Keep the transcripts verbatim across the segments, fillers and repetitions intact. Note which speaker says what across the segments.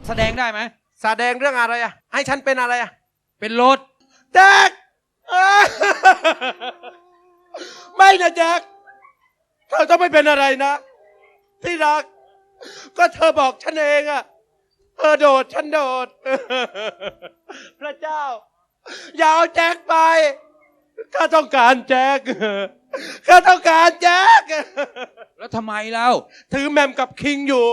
Speaker 1: แสดงได้ไหม
Speaker 2: แสดงเรื่องอะไรอ่ะให้ฉันเป็นอะไรอ่ะ
Speaker 1: เป็นรถ
Speaker 2: แจ็คไม่นะแจ็คเธอต้องไม่เป็นอะไรนะที่รักก็เธอบอกฉันเองอ่ะเธอโดดฉันโดดพระเจ้าอย่าเอาแจ็คไปข้าต้องการแจ็คข้าต้องการแจ็ค
Speaker 1: แล้วทำไมเล่า
Speaker 2: ถือแมมกับคิงอยู่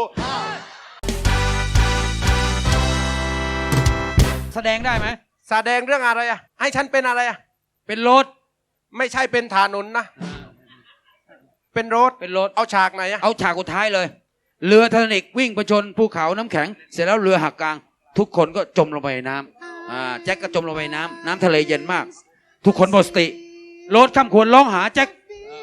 Speaker 1: แสดงได้ไหม
Speaker 2: แสดงเรื่องอะไรอ่ะให้ฉันเป็นอะไรอ่ะ
Speaker 1: เป็นรถ
Speaker 2: ไม่ใช่เป็นถนนนะเป็นรถ
Speaker 1: เป็นรถ
Speaker 2: เอาฉากไหนอ่ะ
Speaker 1: เอาฉากสุดท้ายเลยเรือไททานิควิ่งไปชนภูเขาน้ำแข็งเสร็จแล้วเรือหักกลางทุกคนก็จมลงไปในน้ำอ่าแจ็คก็จมลงไปในน้ำน้ำทะเลเย็นมากทุกคนหมดสติโรสข้ามควรร้องหาแจ็ค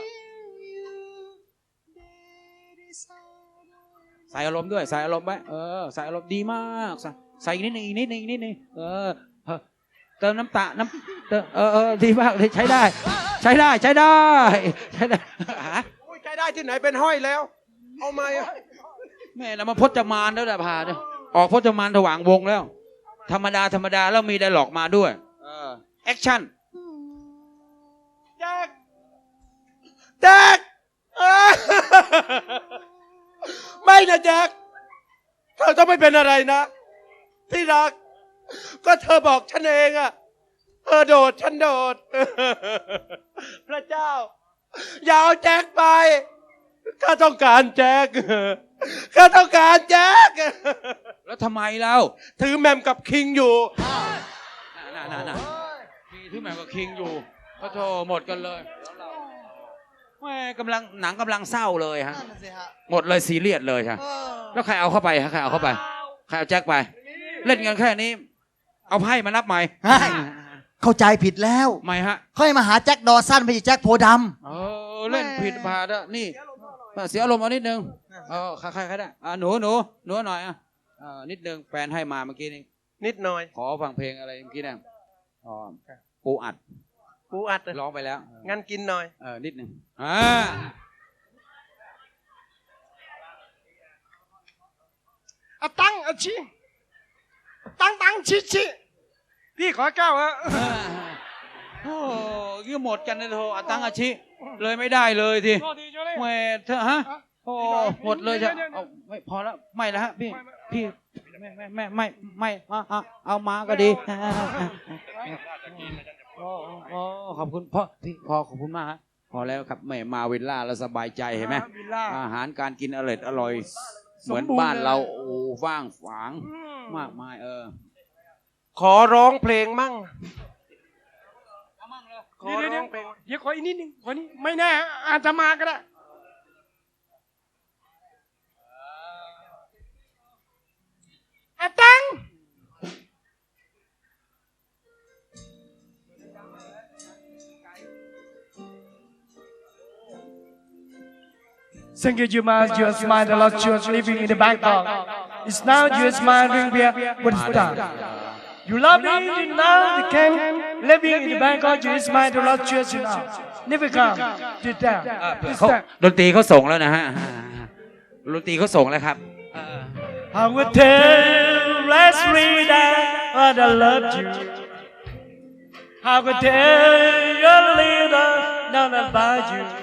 Speaker 1: ใส่อารมณ์ด้วยใส่อารมณ์ไว้เออใส่อารมณ์ดีมากใส่ใส่อีกนิดนึงอีกนิดนึงอีกนิดนึงเออเติมน้ำตาน้ำเติมเออเออดีมากเลยใช้ได้ใช้ได้ใช้ได้ใช้ได้
Speaker 2: ใช้ได้ที่ไหนเป็นห้อยแล้วเอามา
Speaker 1: แม่เรามาพจมานแล้วแหละพาเนี่ยออกพจมานถว่างวงแล้วธรรมดาธรรมดาแล้วมีไดร็อกมาด้วยแอคชั่น
Speaker 2: แจ็คแจ็คไม่นะแจ็คเธอต้องไม่เป็นอะไรนะที่รักก็เธอบอกฉันเองอ่ะเธอโดดฉันโดดพระเจ้าอย่าเอาแจ็คไปข้าต้องการแจ็คข้าต้องการแจ็ค
Speaker 1: แล้วทำไมเรา
Speaker 2: ถือแมมกับคิงอยู่
Speaker 1: น่าน่าน่ามีถือแมมกับคิงอยู่ก็โทรหมดกันเลยแม่กำลังหนังกำลังเศร้าเลยฮะหมดเลยซีเรียสเลยครับแล้วใครเอาเข้าไปฮะใครเอาเข้าไปใครเอาแจ็คไปเล่นกันแค่นี้เอาไพ่มานับใหม่
Speaker 3: เข้าใจผิดแล้ว
Speaker 1: ไม่ฮะ
Speaker 3: ค่อยมาหาแจ็คดอสันไม่ใช่แจ็คโพดำ
Speaker 1: เออเล่นผิดพาดะนี่เสียอารมณ์เอานิดนึงเออใครใครใครได้อ่าหนูหนูหนูหน่อยอ่ะอ่านิดนึงแฟนให้มาเมื่อกี้นี้
Speaker 2: นิดหน่อย
Speaker 1: ขอฟังเพลงอะไรเมื่อกี้เนี่ยอ๋อปูอัด
Speaker 2: ปูอัด
Speaker 1: ร้องไปแล้ว
Speaker 2: งั้นกินหน่อย
Speaker 1: เออนิดนึงอ่า
Speaker 2: อะตั้งอะชิตั้งตั้งชิชิพี่ขอแก้วฮะ
Speaker 1: โอ้ยหมดกันนะโธ่อะตั้งอาชิเลยไม่ได้เลยทีแหมเธอฮะโอ้หมดเลยจะเอาไม่พอแล้วไม่แล้วฮะพี่พี่ไม่ไม่ไม่ไม่ไม่เอาเอามาก็ดีโอ้ขอบคุณพ่อพี่พอขอบคุณมากฮะพอแล้วครับแม่มาวิลล่าแล้วสบายใจเห็นไหมอาหารการกินอร่อยอร่อยเหมือนบ้านเราโอ้ว่างฝางมากมายเออ
Speaker 2: ขอร้องเพลงมั่ง
Speaker 4: ขอร้องเพลงเดี๋ยวขออีกนิดนึงขอนี้ไม่แน่อาจจะมาก็ได้อาตังThank you, you must your smile, a lot you are living in the Bangkok. It's now you smiling here, what is that? You love me now, you can living in the Bangkok, you smile, a lot you are now. Never come, do that.
Speaker 1: เขาดนตรีเขาส่งแล้วนะฮะดนตรีเขาส่งแล้วครับ
Speaker 4: I would tell last read that I love you. I would tell your leader not about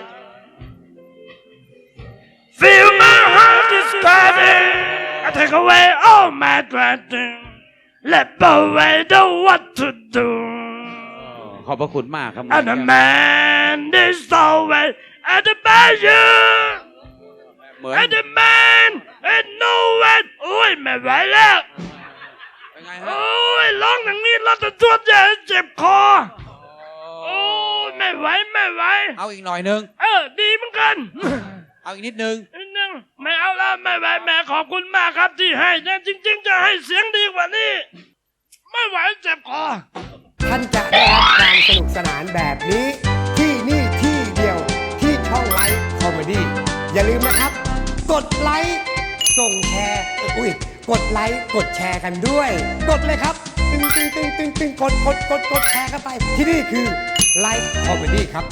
Speaker 4: you.Feel my heart is beating. I take away all my dreading. Let away the what to do.
Speaker 1: ขอบพระคุณมากครับ
Speaker 4: And the man is always at the bayou. And the man is nowhere. โอ้ยไม่ไหวแล้วโอ้ยร้องอย่างนี้เราจะจวดใหญ่เจ็บคอโอ้ยไม่ไหวไม่ไหว
Speaker 1: เอาอีกหน่อยนึง
Speaker 4: เออดีเหมือนกัน
Speaker 1: เอาอีกนิดนึง
Speaker 4: นิดนึงไม่เอาแล้วไม่ไหวแม่ขอบคุณมากครับที่ให้เนี่ยจริงๆจะให้เสียงดีกว่านี้ไม่ไหวเจ็บคอ
Speaker 5: ท่านจะได้รับการสนุกสนานแบบนี้ที่นี่ที่เดียวที่ช่องไลฟ์คอมเมดี้อย่าลืมนะครับกดไลค์ส่งแชร์อุ้ยกดไลค์กดแชร์กันด้วยกดเลยครับตึงตึงตึงตึงตึงกดกดกดกดแชร์กันไปที่นี่คือไลฟ์คอมเมดี้ครับ